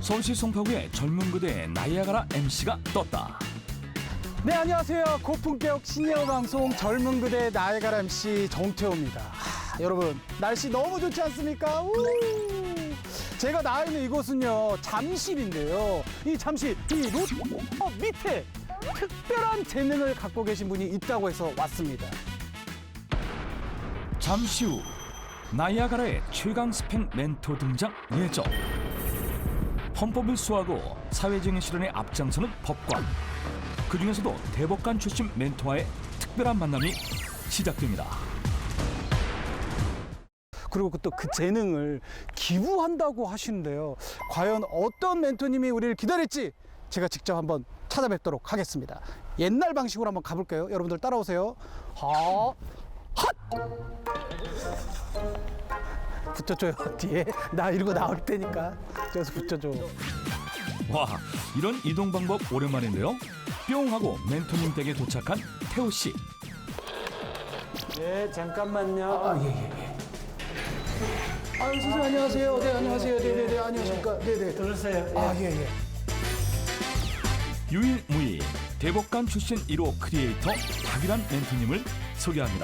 서울시 송파구의 젊은 그대의 나이아가라 MC가 떴다. 네, 안녕하세요. 고품격 시니어 방송 젊은 그대 나이아가라 MC 정태호입니다. 여러분, 날씨 너무 좋지 않습니까? 제가 나와 있는 이곳은요, 잠실인데요. 이 잠실, 이 롯데 밑에 특별한 재능을 갖고 계신 분이 있다고 해서 왔습니다. 잠시 후 나이아가라의 최강 스펙 멘토 등장 예정. 헌법을 수호하고 사회적인 실현에 앞장서는 법관. 그중에서도 대법관 출신 멘토와의 특별한 만남이 시작됩니다. 그리고 또 그 재능을 기부한다고 하시는데요. 과연 어떤 멘토님이 우리를 기다릴지 제가 직접 한번 찾아뵙도록 하겠습니다. 옛날 방식으로 한번 가볼까요? 여러분들 따라오세요. 핫! 붙여줘요, 뒤에. 나 이러고 나올 테니까. 저기서 붙여줘. 와, 이런 이동 방법 오랜만인데요. 뿅 하고 멘토님 댁에 도착한 태호 씨. 네, 잠깐만요. 예. 선생님 안녕하세요. 네, 안녕하세요. 네, 안녕하십니까. 네. 들으세요. 예. 유일무이 대법관 출신 1호 크리에이터 박일환 멘토님을 소개합니다.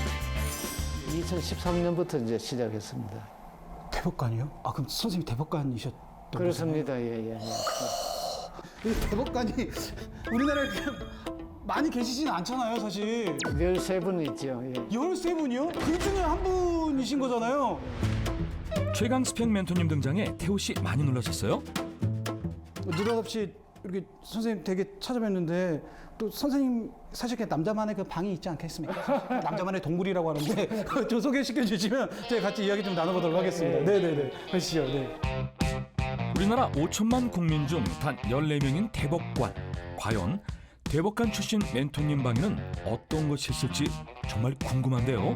2013년부터 이제 시작했습니다. 대법관이요? 그럼 선생님 대법관이셨던 그렇습니다. 예. 이 대법관이 우리나라에 많이 계시지는 않잖아요, 사실. 13분 있죠. 예. 13분이요? 그 중에 한 분이신 거잖아요. 최강 스펙 멘토님 등장에 태호 씨 많이 놀라셨어요? 느닷없이 이렇게 선생님 댁에 찾아뵀는데 또 선생님 사실 그냥 남자만의 그 방이 있지 않겠습니까? 나만의 동굴이라고 하는데 좀 소개시켜 주시면 제가 같이 이야기 좀 나눠보도록 하겠습니다. 네네네. 하시죠. 네. 우리나라 5천만 국민 중 단 14명인 대법관. 과연 대법관 출신 멘토님 방에는 어떤 것이 있을지 정말 궁금한데요.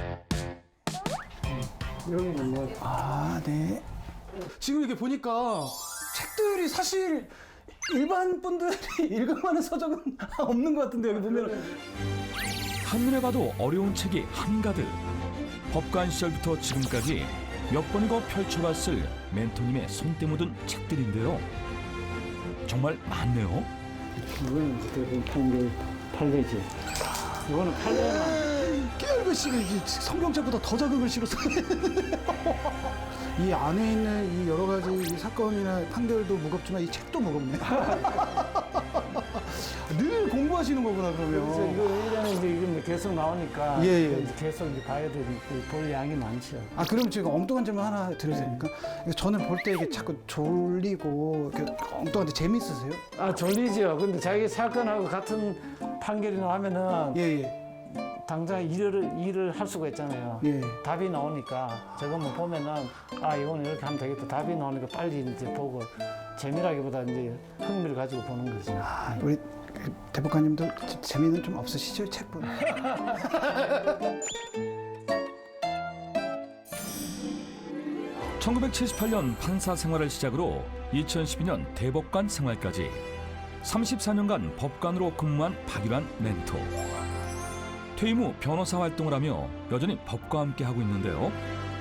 여기는 뭐 네. 지금 이렇게 보니까 책들이 사실 일반 분들이 읽을 만한 서적은 없는 것 같은데 여기 보면 한눈에 봐도 어려운 책이 한가득. 법관 시절부터 지금까지 몇 번이고 펼쳐봤을 멘토님의 손때 묻은 책들인데요. 정말 많네요. 이거는 대부분 판결 판례지. 이거는 판례만. 깨알 글씨가 이게 성경책보다 더 작은 글씨로 써있는데 이 안에 있는 이 여러 가지 이 사건이나 판결도 무겁지만 이 책도 무겁네. 늘 공부하시는 거구나 그래서 그러면. 이거 1년에 이제 이게 계속 나오니까 예. 이제 계속 이제 봐야 되니까 볼 양이 많죠. 그럼 제가 엉뚱한 질문 하나 드려도 됩니까? 저는 볼 때 이게 자꾸 졸리고 이렇게 엉뚱한데 재밌으세요? 졸리죠. 근데 자기 사건하고 같은 판결이 나오면은 예. 당장 일을 할 수가 있잖아요. 예. 답이 나오니까 저거 뭐 보면은 이거는 이렇게 하면 되겠다. 답이 나오니까 빨리 이제 보고 재미라기보다 이제 흥미를 가지고 보는 거죠. 우리 그 대법관님도 재미는 좀 없으시죠, 책 보면? (1978년) 판사 생활을 시작으로 2012년 대법관 생활까지 34년간 법관으로 근무한 박일환 멘토. 퇴임 후 변호사 활동을 하며 여전히 법과 함께 하고 있는데요.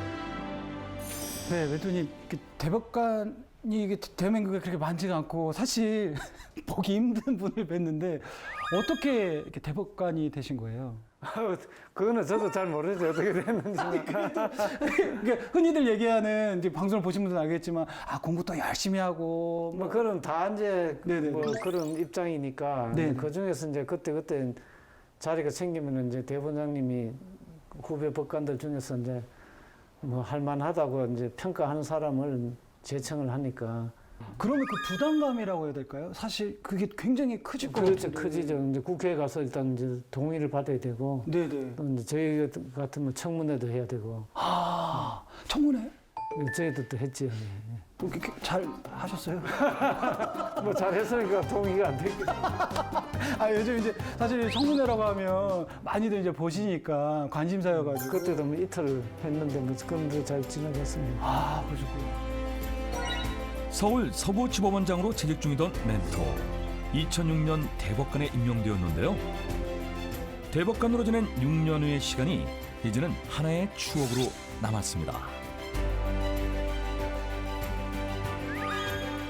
네, 멘토님, 대법관이 이게 대한민국에 그렇게 많지가 않고 사실 보기 힘든 분을 뵀는데 어떻게 이렇게 대법관이 되신 거예요? 그거는 저도 잘 모르죠. 어떻게 됐는지. 그러니까 흔히들 얘기하는 이제 방송을 보신 분들은 알겠지만 공부 또 열심히 하고 뭐 그런 다 이제 네네. 뭐 그런 입장이니까 네네. 그 중에서 이제 그때 자리가 생기면은 이제 대법원장님이 후배 법관들 중에서 이제 뭐 할만하다고 이제 평가하는 사람을 제청을 하니까. 그러면 그 부담감이라고 해야 될까요? 사실 그게 굉장히 크실 것 그렇죠, 같은데. 크지죠. 이제 국회에 가서 일단 이제 동의를 받아야 되고, 네네. 또 이제 저희 같으면 청문회도 해야 되고, 청문회? 저희도 또 했죠. 잘 하셨어요? 뭐 잘했으니까 동의가 안 되겠죠. 요즘 이제 사실 청문회라고 하면 많이들 이제 보시니까 관심사여가지고. 그때도 뭐 이틀 했는데 뭐 그런데 잘 지나갔습니다. 그러셨구나. 서울 서부지법원장으로 재직 중이던 멘토. 2006년 대법관에 임명되었는데요. 대법관으로 지낸 6년 후의 시간이 이제는 하나의 추억으로 남았습니다.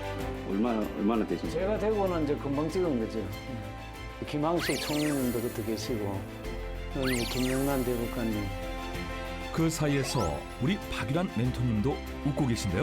얼마나 되신 거예요? 제가 되고는 이제 금방 찍은 거죠. 김항식 총리님도 그때 계시고, 여기 김영란 대법관님. 그 사이에서 우리 박유란 멘토님도 웃고 계신데요.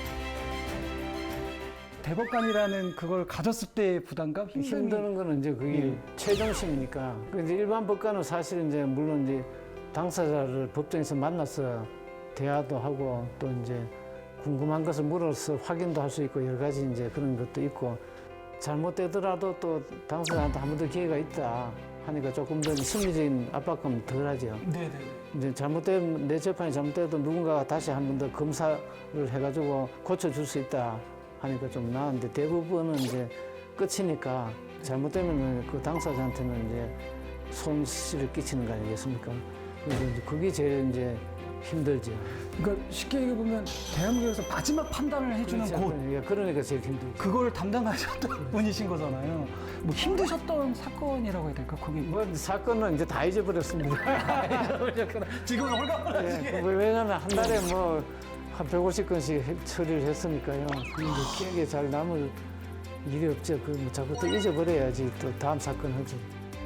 대법관이라는 그걸 가졌을 때의 부담감, 힘듦이 힘드는 거는 이제 그게 최종심이니까. 그 이제 일반 법관은 사실 이제 물론 이제 당사자를 법정에서 만나서 대화도 하고 또 이제 궁금한 것을 물어서 확인도 할 수 있고 여러 가지 이제 그런 것도 있고 잘못되더라도 또 당사자한테 한 번 더 기회가 있다 하니까 조금 더 심리적인 압박감이 덜하죠. 네네. 이제 잘못되면 내 재판이 잘못돼도 누군가가 다시 한 번 더 검사를 해가지고 고쳐줄 수 있다 하니까 좀 나은데 대부분은 이제 끝이니까 잘못되면 그 당사자한테는 이제 손실을 끼치는 거 아니겠습니까? 그래서 이제 그게 제일 이제 힘들죠. 그러니까 쉽게 얘기해 보면 대한민국에서 마지막 판단을 해주는 그렇죠. 곳. 예, 그러니까 제일 힘들죠. 그걸 담당하셨던 분이신 거잖아요. 뭐 힘드셨던 사건이라고 해야 될까? 거기 뭐 사건은 이제 다 잊어버렸습니다. 지금은 홀가분하시게. 예, 왜냐면 한 달에 뭐 한 150건씩 처리를 했으니까요. 근데 기억에 잘 남을 일이 없죠. 그뭐 자꾸 또 잊어버려야지 또 다음 사건 하죠.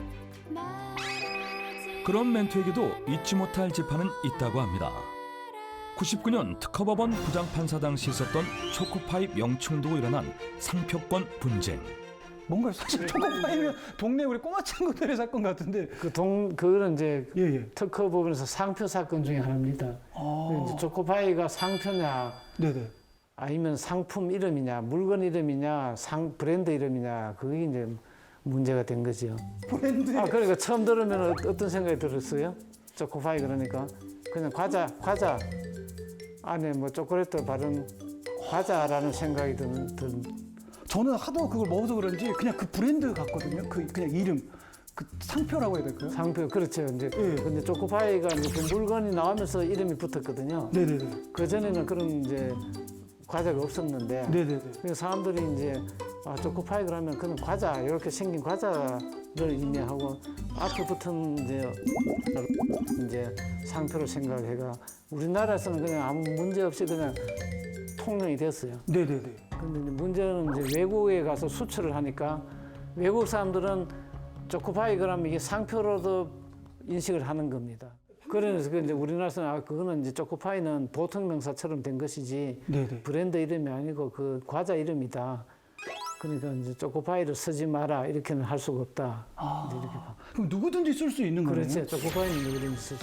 그런 멘토에게도 잊지 못할 재판은 있다고 합니다. 99년 특허법원 부장판사 당시 있었던 초코파이 명칭을 두고 일어난 상표권 분쟁. 뭔가 사실 초코파이면 동네 우리 꼬마 친구들의 사건 같은데. 그거는 이제 예예. 특허 부분에서 상표 사건 중에 하나입니다. 이제 초코파이가 상표냐 네네. 아니면 상품 이름이냐 물건 이름이냐 브랜드 이름이냐 그게 이제 문제가 된 거죠. 브랜드. 그러니까 처음 들으면 어떤 생각이 들었어요? 초코파이 그러니까 그냥 과자 안에 뭐 초콜릿 바른 과자라는 생각이 드는 저는 하도 그걸 먹어서 그런지 그냥 그 브랜드 같거든요. 그냥 이름, 그 상표라고 해야 될까요? 상표 그렇죠. 이제 예. 근데 초코파이가 이제 그 물건이 나오면서 이름이 붙었거든요. 네네네. 그 전에는 그런 이제 과자가 없었는데 네네네. 그래서 사람들이 이제 초코파이 그러면 그냥 과자 이렇게 생긴 과자를 의미하고 앞에 붙은 이제 상표를 생각해가 우리나라에서는 그냥 아무 문제 없이 그냥 통용이 됐어요. 네네네. 근데 이제 문제는 이제 외국에 가서 수출을 하니까 외국 사람들은 초코파이 그러면 이게 상표로도 인식을 하는 겁니다. 그래서 이제 우리나라에서는 그거는 이제 초코파이는 보통 명사처럼 된 것이지 네네. 브랜드 이름이 아니고 그 과자 이름이다. 그러니까 이제 초코파이를 쓰지 마라 이렇게는 할 수가 없다. 이제 이렇게 봐. 그럼 누구든지 쓸 수 있는 거네요. 그렇지. 초코파이는 누구든지 쓰지.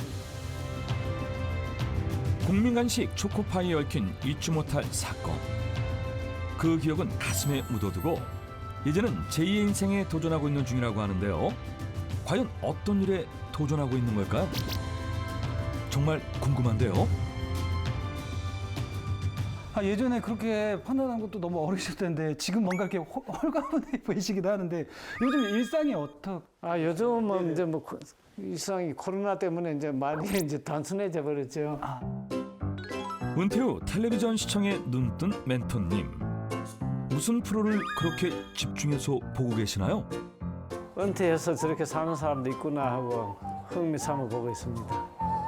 국민 간식 초코파이에 얽힌 잊지 못할 사건. 그 기억은 가슴에 묻어두고 이제는 제2의 인생에 도전하고 있는 중이라고 하는데요. 과연 어떤 일에 도전하고 있는 걸까요? 정말 궁금한데요. 예전에 그렇게 판단한 것도 너무 어리실 텐데 지금 뭔가 이렇게 홀가분해 보이시기도 하는데 요즘 일상이 요즘은 이제 뭐 이상이 코로나 때문에 이제 많이 이제 단순해져 버렸죠. 은퇴 후 텔레비전 시청에 눈뜬 멘토님. 무슨 프로를 그렇게 집중해서 보고 계시나요? 은퇴해서 저렇게 사는 사람도 있구나 하고 흥미 삼아 보고 있습니다.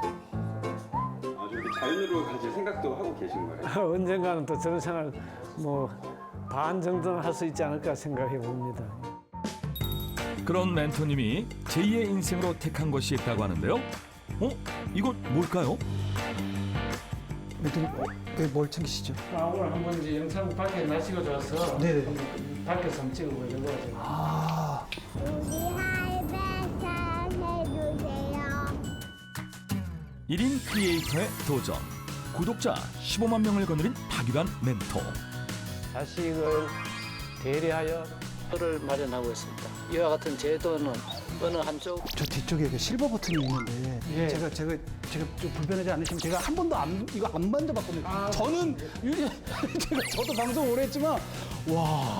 이렇게 자연으로 가실 생각도 하고 계신 거예요? 언젠가는 또 저런 생활 뭐 반 정도는 할 수 있지 않을까 생각해 봅니다. 그런 멘토님이 제2의 인생으로 택한 것이 있다고 하는데요. 이건 뭘까요? 왜 뭘 챙기시죠? 오늘 한번 이제 영상 밖에 날씨가 좋아서 네네. 밖에서 한번 찍어보려고 하죠. 우리 할배 잘해주세요. 1인 크리에이터의 도전. 구독자 15만 명을 거느린 박유란 멘토. 자식을 대리하여 표를 마련하고 있습니다. 이와 같은 제도는 어느 한쪽 저 뒤쪽에 그 실버 버튼이 있는데 예. 제가 좀 불편하지 않으시면 제가 한 번도 이거 안 만져봤거든요. 저는 저도 방송 오래 했지만 와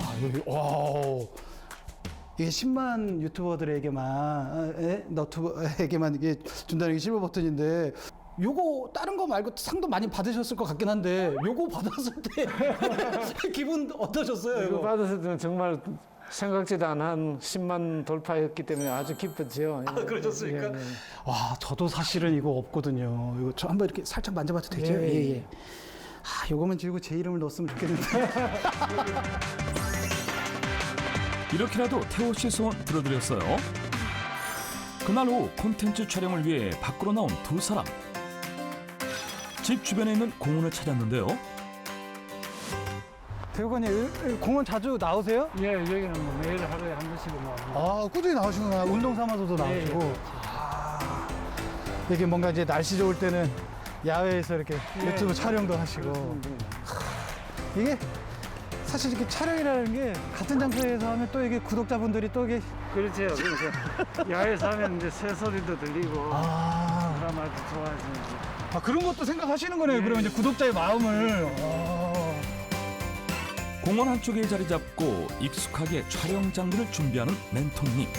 이게 10만 유튜버들에게만 너튜버에게만 이게 준다는 게 실버 버튼인데 요거 다른 거 말고 상도 많이 받으셨을 것 같긴 한데 요거 받았을 때 기분 어떠셨어요? 이거 받았을 때는 정말 생각지도 않은 10만 돌파였기 때문에 아주 기뻤죠. 그러셨습니까? 예, 예. 와, 저도 사실은 이거 없거든요. 이거 저 한번 이렇게 살짝 만져봐도 되죠? 예, 예. 요거만 지우고 제 이름을 넣었으면 좋겠는데. 이렇게라도 태호 씨 소원 들어드렸어요. 그날 오후 콘텐츠 촬영을 위해 밖으로 나온 두 사람. 집 주변에 있는 공원을 찾았는데요. 대표관님 공원 자주 나오세요? 예, 여기는 뭐 매일 하루에 한 번씩은 나옵니다. 아, 꾸준히 나오시구나. 운동 삼아서도 나오시고. 예, 아, 이게 뭔가 이제 날씨 좋을 때는 야외에서 이렇게 유튜브 촬영도 하시고. 이게 사실 이렇게 촬영이라는 게 같은 장소에서 하면 또 이게 구독자분들이 또 이게 그렇죠. 그래서 야외에서 하면 이제 새소리도 들리고 사람한테 좋아하시는지. 그런 것도 생각하시는 거네요. 그러면 이제 구독자의 마음을. 공원 한쪽에 자리 잡고 익숙하게 촬영 장비를 준비하는 멘토님.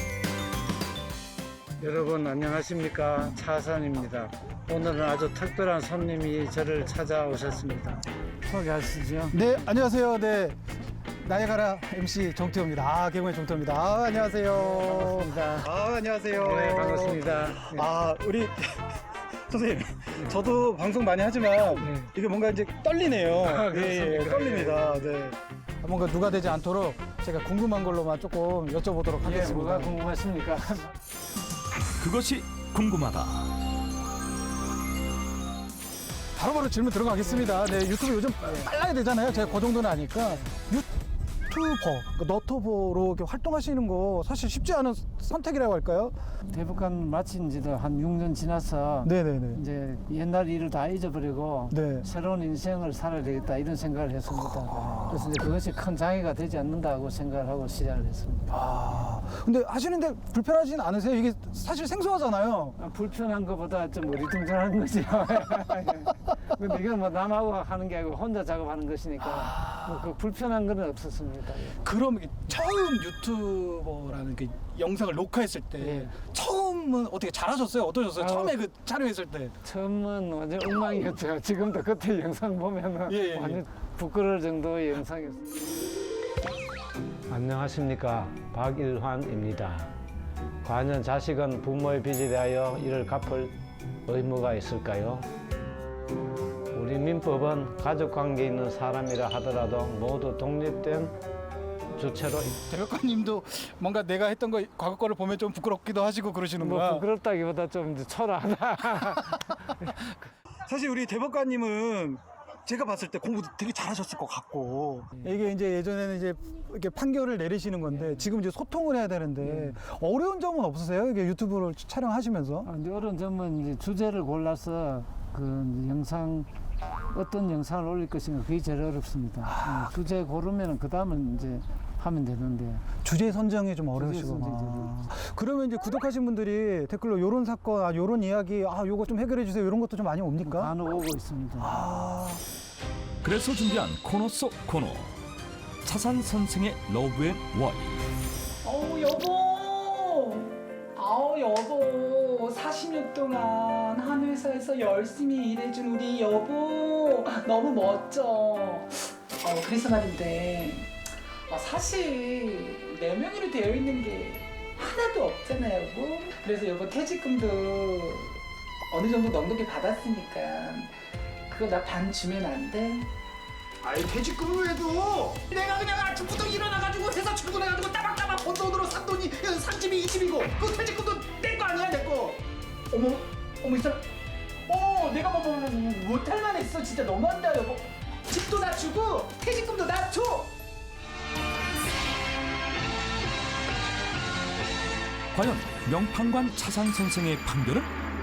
여러분 안녕하십니까, 차산입니다. 오늘은 아주 특별한 손님이 저를 찾아오셨습니다. 소개하시죠. 네, 안녕하세요. 네. 나이가라 MC 정태호입니다. 개그맨 정태호입니다. 안녕하세요. 반갑습니다. 안녕하세요. 네, 반갑습니다. 네. 우리 선생님, 저도 방송 많이 하지만 네. 이게 뭔가 이제 떨리네요. 그렇습니까? 떨립니다. 네. 뭔가 누가 되지 않도록 제가 궁금한 걸로만 조금 여쭤보도록 예, 하겠습니다. 뭐가 궁금하십니까? 그것이 궁금하다. 바로바로 질문 들어가겠습니다. 네, 유튜브 요즘 빨라야 되잖아요. 제가 그 정도는 아니까. 유튜버, 너튜버로 이렇게 활동하시는 거 사실 쉽지 않은 선택이라고 할까요? 대북한 마친 지도 한 6년 지나서 네네네. 이제 옛날 일을 다 잊어버리고 네. 새로운 인생을 살아야 되겠다 이런 생각을 했습니다. 그래서 이제 그것이 큰 장애가 되지 않는다고 생각을 하고 시작을 했습니다. 근데 하시는데 불편하진 않으세요? 이게 사실 생소하잖아요. 불편한 것보다 좀 어리둥절한 거죠. 근데 이건 뭐 남하고 하는 게 아니고 혼자 작업하는 것이니까 뭐그 불편한 건 없었습니다. 그럼 처음 유튜버라는 그 영상을 녹화했을 때 예. 처음은 어떻게 잘하셨어요? 어떠셨어요? 아유. 처음에 그 촬영했을 때. 처음은 완전 엉망이었죠. 지금도 그때 영상 보면은 예. 완전 부끄러울 정도의 영상이었어요. 안녕하십니까, 박일환입니다. 과연 자식은 부모의 빚에 대하여 이를 갚을 의무가 있을까요? 우리 민법은 가족관계에 있는 사람이라 하더라도 모두 독립된 주체로 대표관님도 뭔가 내가 했던 거 과거 거를 보면 좀 부끄럽기도 하시고 그러시는구나. 뭐 부끄럽다기보다 좀 이제 초라하다. 사실 우리 대법관님은 제가 봤을 때 공부도 되게 잘하셨을 것 같고 이게 이제 예전에는 이제 이렇게 판결을 내리시는 건데 지금 이제 소통을 해야 되는데 어려운 점은 없으세요? 이게 유튜브를 촬영하시면서? 이제 어려운 점은 이제 주제를 골라서 그 영상 어떤 영상을 올릴 것인가 그게 제일 어렵습니다. 주제 고르면 그 다음은 이제 하면 되는데. 주제 선정이 좀 어려우시구나. 선정이 좀 그러면 이제 구독하신 분들이 댓글로 요런 사건, 요런 이야기, 요거 좀 해결해 주세요. 이런 것도 좀 많이 옵니까? 간혹 오고 있습니다. 그래서 준비한 코너 속 코너. 차산 선생의 러브앤 와이. 여보 40년 동안 한 회사에서 열심히 일해준 우리 여보 너무 멋져. 그래서 말인데 사실 내 명의로 되어 있는 게 하나도 없잖아 여보. 그래서 여보 퇴직금도 어느 정도 넉넉히 받았으니까 그거 나 반 주면 안 돼? 아이 퇴직금을 해도 내가 그냥 아침부터 일어나가지고 회사 출근해가지고 따박따박 번 돈으로 산 돈이 산 집이 이 집이고 그 퇴직금도 내 거 아니야 내 거. 어머 이 사람 내가 뭐 못할 만했어. 진짜 너무한다 여보. 집도 나 주고 퇴직금도 나 줘. 과연 명판관 차산 선생의 판결은?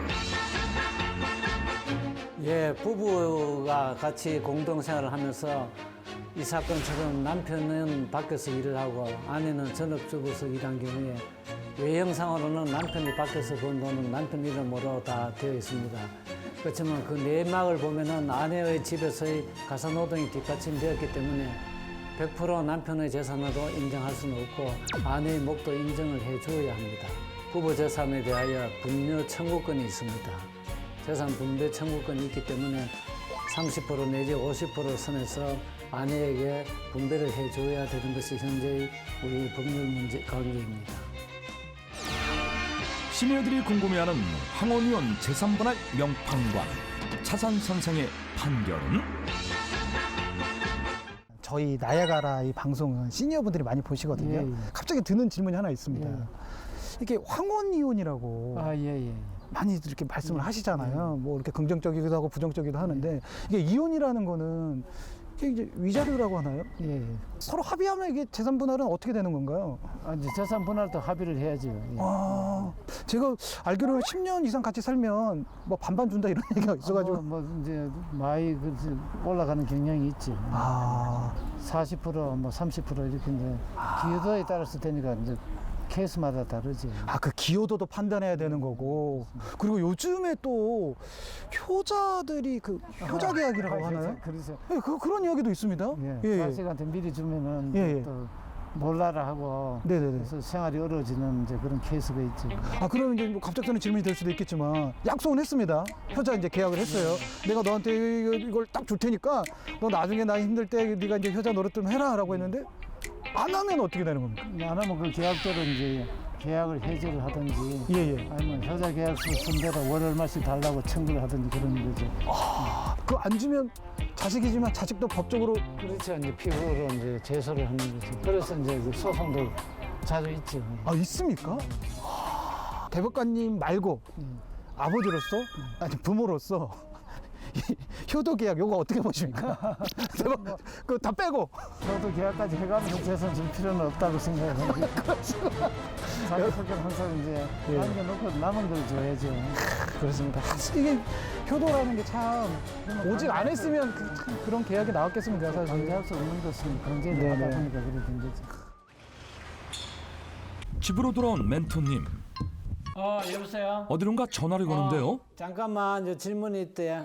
예, 부부가 같이 공동생활을 하면서 이 사건처럼 남편은 밖에서 일을 하고 아내는 전업주부에서 일한 경우에 외형상으로는 남편이 밖에서 번 돈은 남편 이름으로 다 되어 있습니다. 그렇지만 그 내막을 보면은 아내의 집에서의 가사노동이 뒷받침되었기 때문에 100% 남편의 재산으로 인정할 수는 없고 아내의 몫도 인정을 해줘야 합니다. 부부 재산에 대하여 분녀 청구권이 있습니다. 재산 분배 청구권이 있기 때문에 30% 내지 50% 선에서 아내에게 분배를 해줘야 되는 것이 현재의 우리 법률 문제 관계입니다. 시니어들이 궁금해하는 황혼위원 재산분할 명판관 차산 선생의 판결은? 저희 나야가라 이 방송은 시니어분들이 많이 보시거든요. 예, 예. 갑자기 드는 질문이 하나 있습니다. 예. 이게 황혼이혼이라고 아, 예, 예. 많이 이렇게 말씀을 하시잖아요. 뭐 이렇게 긍정적이기도 하고 부정적이기도 하는데 이게 이혼이라는 거는 이게 이제 위자료라고 하나요? 예, 예. 서로 합의하면 이게 재산 분할은 어떻게 되는 건가요? 아, 이제 재산 분할도 합의를 해야죠. 예. 아, 제가 알기로는 10년 이상 같이 살면 뭐 반반 준다 이런 얘기가 있어가지고. 뭐 이제 많이 올라가는 경향이 있지. 아, 40%, 30% 이렇게 이제 기여도에 따라서 되니까 이제 케이스마다 다르지. 그 기여도도 판단해야 되는 거고. 그리고 요즘에 또 효자들이 그 효자 계약이라고 하나요? 그래서 예, 그런 이야기도 있습니다. 예, 자식한테 미리 주면은 예, 예. 또 몰라라 하고 네네네. 그래서 생활이 어려워지는 이제 그런 케이스가 있지. 그러면 이제 뭐 갑작스러운 질문이 될 수도 있겠지만 약속은 했습니다. 효자 이제 계약을 했어요. 내가 너한테 이걸 딱 줄 테니까 너 나중에 나 힘들 때 네가 이제 효자 노릇 좀 해라라고 했는데 안 하면 어떻게 되는 겁니까? 안 하면 그 계약대로 이제 계약을 해지를 하든지 예예. 아니면 효자 계약서 쓴 대로 월 얼마씩 달라고 청구를 하든지 그런 거죠. 그거 안 주면 자식이지만 자식도 법적으로 그렇죠. 이제 피고로 이제 제소를 하는 거죠. 그래서 이제 그 소송도 자주 있죠. 있습니까? 대법관님 말고 아버지로서 아니 부모로서 이 효도 계약 요거 어떻게 보십니까? 대법 그 다 빼고 저도 계약까지 해가면서 재산 줄 필요는 없다고 생각합니다. 자기 성격 항상 이제 예. 남겨놓고 남은 걸 줘야죠. 그렇습니다. 이게 효도라는 게 참 오직 안 했으면 참 그런 계약이 나왔겠습니까 사실. 강제할 수 없는 것은 강제를 네네. 하다 보니까 그래 된 거죠. 집으로 돌아온 멘토님. 여보세요? 어디론가 전화를 거는데요. 잠깐만, 이제 질문이 있대.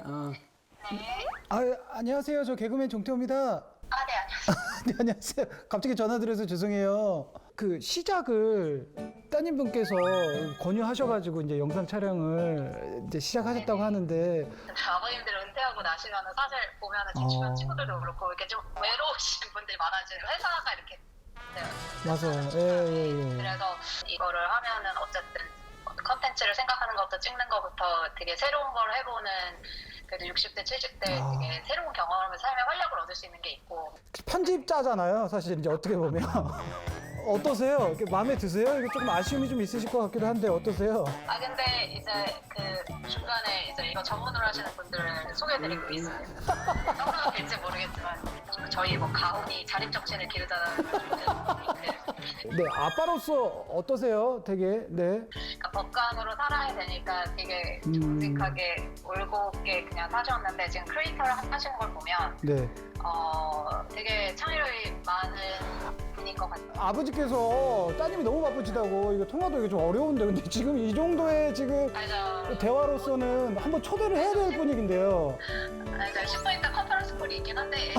안녕하세요. 저 개그맨 종태호입니다. 네, 안녕하세요. 네, 안녕하세요. 갑자기 전화드려서 죄송해요. 그 시작을 따님분께서 권유하셔가지고 이제 영상 촬영을 이제 시작하셨다고 하는데 아버님들 은퇴하고 나시면은 사실 보면은 제 주변 친구들도 그렇고 이렇게 좀 외로우신 분들이 많아지는 회사가 이렇게 맞아요. 예. 그래서 이거를 하면은 어쨌든 컨텐츠를 생각하는 것부터 찍는 것부터 되게 새로운 걸 해보는 그래도 60대, 70대 되게 새로운 경험을 삶의 활력을 얻을 수 있는 게 있고 편집자잖아요. 사실 이제 어떻게 보면 어떠세요? 이렇게 마음에 드세요? 이게 조금 아쉬움이 좀 있으실 것 같기도 한데 어떠세요? 근데 이제 그 중간에 이제 이거 전문으로 하시는 분들을 소개해드리고 있습니다. 설명이 될지 모르겠지만 저희 뭐 가훈이 자립정신을 기르자는 네, 아빠로서 어떠세요? 되게 네. 그러니까 법관으로 살아야 되니까 되게 정직하게 올곧게 그냥 사셨는데 지금 크리에이터를 하시는 걸 보면 네. 되게 창의력이 많은 분인 것 같아요. 아버지께서 따님이 너무 바쁘시다고 이거 통화도 이게 좀 어려운데 근데 지금 이 정도의 지금 그래서 대화로서는 한번 초대를 해야 될 분위기인데요. 그러니까 10분 있다 컨퍼런스 콜이 있긴 한데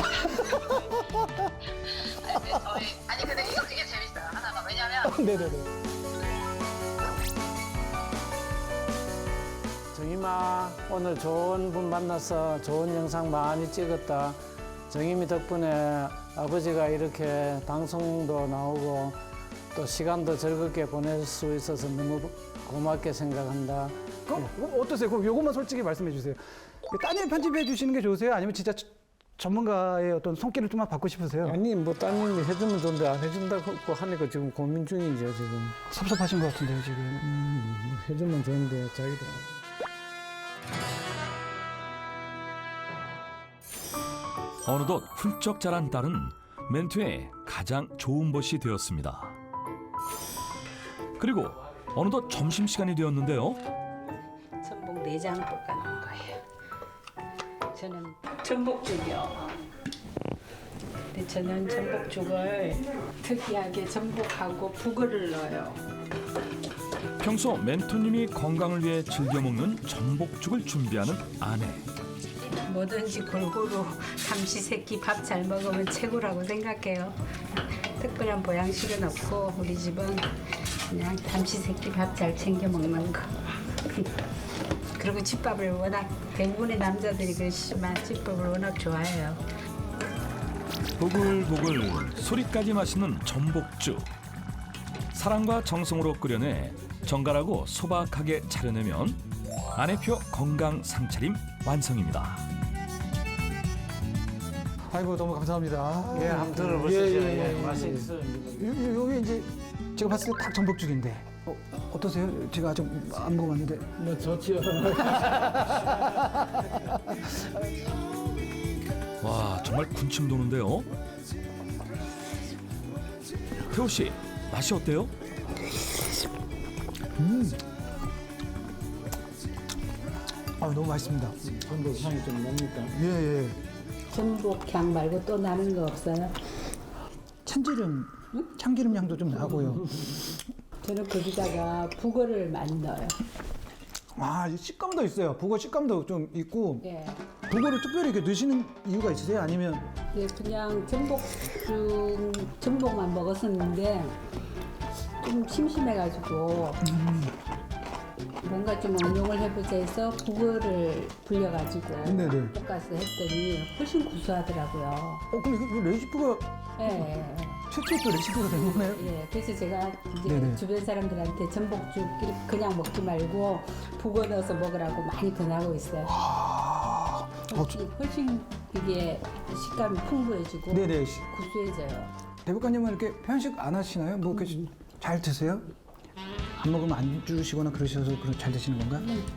근데 이게 재밌어요. 하나가 왜냐면 네네네. 정임아, 오늘 좋은 분 만나서 좋은 영상 많이 찍었다. 정임이 덕분에 아버지가 이렇게 방송도 나오고 또 시간도 즐겁게 보낼 수 있어서 너무 고맙게 생각한다. 그럼 어떠세요? 그럼 요것만 솔직히 말씀해 주세요. 따님 편집해 주시는 게 좋으세요? 아니면 진짜 전문가의 어떤 손길을 좀만 받고 싶으세요? 아니, 뭐 따님이 해주면 좋은데 안 해준다고 하니까 지금 고민 중이죠, 지금. 섭섭하신 것 같은데요, 지금. 해주면 좋은데 자기도. 어느덧 훌쩍 자란 딸은 멘토의 가장 좋은 벗이 되었습니다. 그리고 어느덧 점심시간이 되었는데요. 전복 내장 볶아놓은 거예요. 저는 전복죽이요. 근데 저는 전복죽을 특이하게 전복하고 북어를 넣어요. 평소 멘토님이 건강을 위해 즐겨 먹는 전복죽을 준비하는 아내. 뭐든지 골고루 삼시세끼 밥 잘 먹으면 최고라고 생각해요. 특별한 보양식은 없고 우리 집은 그냥 삼시세끼 밥 잘 챙겨 먹는 거. 그리고 집밥을 워낙 대부분의 남자들이 그러시지만 집밥을 워낙 좋아해요. 보글보글 소리까지 마시는 전복죽. 사랑과 정성으로 끓여내 정갈하고 소박하게 차려내면 아내표 건강 상차림 완성입니다. 아이고 너무 감사합니다. 예, 한번 들어보시죠. 예, 맛이 있어요. 여기 이제 제가 봤을 때 딱 전복죽인데 어떠세요? 제가 아직 안 먹어봤는데. 뭐 좋지요. 와, 정말 군침 도는데요. 태호 씨, 맛이 어때요? 아 너무 맛있습니다. 전복 향이 좀 납니까? 예. 전복향 말고 또 나는 거 없어요? 참기름, 참기름 향도 좀 나고요. 저는 거기다가 북어를 많이 넣어요. 아, 이 식감도 있어요. 북어 식감도 좀 있고. 예. 북어를 특별히 이렇게 넣으시는 이유가 있으세요? 아니면 예, 그냥 전복만 먹었었는데 좀 심심해가지고 뭔가 좀 응용을 해보자 해서 북어를 불려가지고 네네. 볶아서 했더니 훨씬 구수하더라고요. 그럼 이거 레시피가 예. 최초 또 레시피가 된 거네요? 예, 그래서 제가 이제 네네. 주변 사람들한테 전복죽 이렇게 그냥 먹지 말고 북어 넣어서 먹으라고 많이 권하고 있어요. 훨씬 이게 식감이 풍부해지고 네네. 구수해져요. 대법관님은 이렇게 편식 안 하시나요? 뭐 이렇게 잘 드세요? 안 먹으면 안 주시거나 그러셔서 잘 드시는 건가?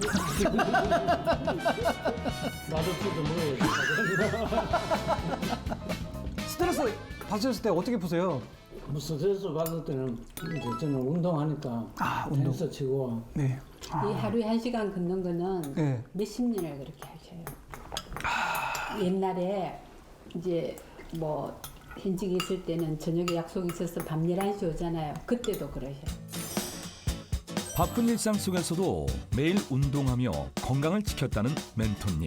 맛없어도 먹어야지. 스트레스 받으셨을 때 어떻게 푸세요? 뭐 스트레스 받을 때는 이제 저는 운동하니까 운동. 댄서 치고 네. 이 하루에 1시간 걷는 거는 네. 몇십 년을 그렇게 하셔요. 옛날에 이제 뭐 현직에 있을 때는 저녁에 약속이 있어서 밤 11시 오잖아요. 그때도 그러셔요. 바쁜 일상 속에서도 매일 운동하며 건강을 지켰다는 멘토님.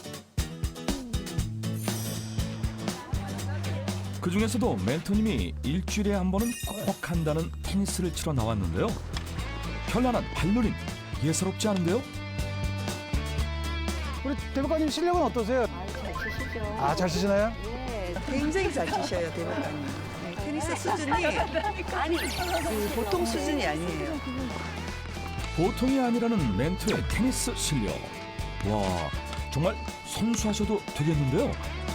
그 중에서도 멘토님이 일주일에 한 번은 꼭 한다는 테니스를 치러 나왔는데요. 현란한 발놀림 예사롭지 않은데요? 우리 대법관님 실력은 어떠세요? 잘 치시죠. 아, 잘 치시나요? 네, 굉장히 잘 치셔요, 대법관님. 네, 테니스 수준이 아니 보통 수준이 아니에요. 보통이 아니라는 멘토의 테니스 실력. 와, 정말 선수하셔도 되겠는데요?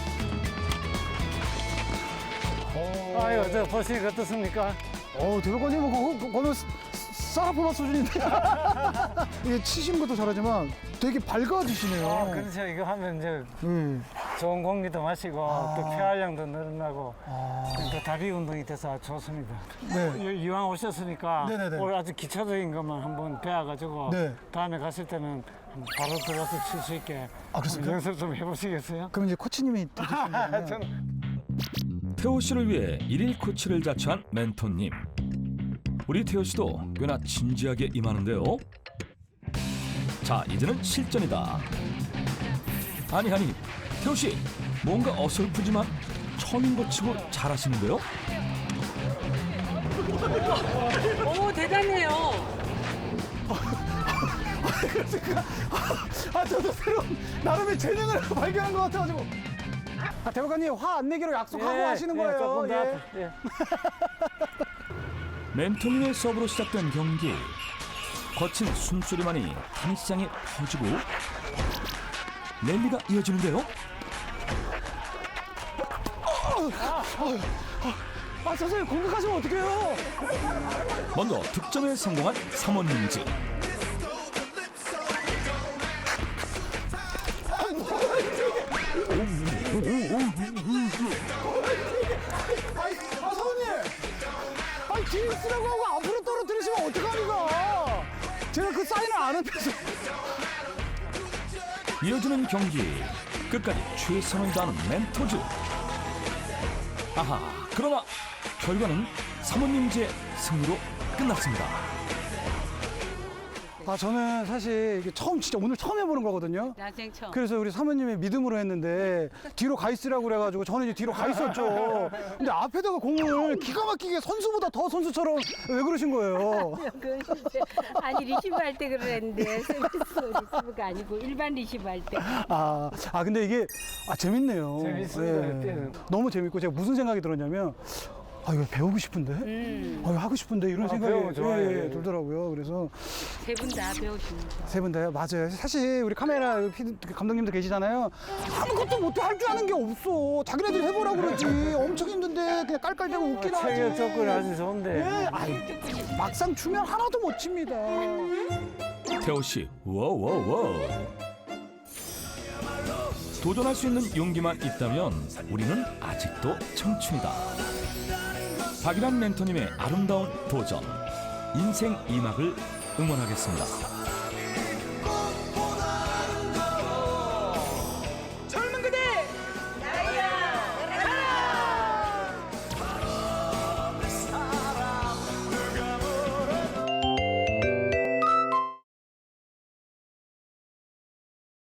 아유, 저 보시니까 어떻습니까? 대법관님은 그거는 사라포마 수준인데. 이게 치시는 것도 잘하지만 되게 밝아지시네요. 그렇죠. 이거 하면 이제 네. 좋은 공기도 마시고 또 폐활량도 늘어나고 또 다리 운동이 돼서 아주 좋습니다. 네. 이왕 오셨으니까 네네네. 오늘 아주 기초적인 것만 한번 배워가지고 네. 다음에 갔을 때는 바로 들어가서 칠 수 있게 그렇습니까? 연습 좀 해보시겠어요? 그럼 이제 코치님이 되시는 거예요? 태호 씨를 위해 일일 코치를 자처한 멘토님. 우리 태호 씨도 꽤나 진지하게 임하는데요. 자, 이제는 실전이다. 아니, 태호 씨 뭔가 어설프지만 처음인 것 치고 잘하시는데요. 오, 대단해요. 저도 새로운 나름의 재능을 발견한 것 같아가지고. 대법관님 화 안 내기로 약속하고 하시는 거예요. 조금 더 예. 앞으로. 예. 멘토님의 서브로 시작된 경기. 거친 숨소리만이 테니스장에 퍼지고 랠리가 이어지는데요. 선생님 공격하시면 어떡해요? 먼저 득점에 성공한 사모님즈. 사모님! 뒤에 있으라고 하고 앞으로 떨어뜨리시면 어떡합니까? 제가 그 사인을 안 했어요. 이어지는 경기. 끝까지 최선을 다하는 멘토즈. 아하, 그러나 결과는 사모님즈의 승리로 끝났습니다. 저는 사실 이게 진짜 오늘 처음 해보는 거거든요. 난생 처음. 그래서 우리 사모님의 믿음으로 했는데 뒤로 가 있으라고 그래가지고 저는 이제 뒤로 가 있었죠. 근데 앞에다가 공을 기가 막히게 선수보다 더 선수처럼 왜 그러신 거예요? 그건 진짜 아니 리시브 할 때 그랬는데 서비스 리시브가 아니고 일반 리시브 할 때. 근데 이게 재밌네요. 재밌습니다, 그때는. 너무 재밌고 제가 무슨 생각이 들었냐면 아 이거 배우고 싶은데, 아 이거 하고 싶은데 이런 생각이 배우면 좋아요. 예, 들더라고요. 그래서 세 분 다 배우시는 거. 세 분 다요? 맞아요. 사실 우리 카메라 감독님도 계시잖아요. 아무것도 못해 할 줄 아는 게 없어. 자기네들이 해보라고 그러지. 엄청 힘든데 그냥 깔깔대고 웃기나 하지. 체격 접근이 아주 좋은데. 예, 아이, 막상 추면 하나도 못 칩니다. 태호 씨, 워워워. 도전할 수 있는 용기만 있다면 우리는 아직도 청춘이다. 박일환 멘토님의 아름다운 도전, 인생 2막을 응원하겠습니다.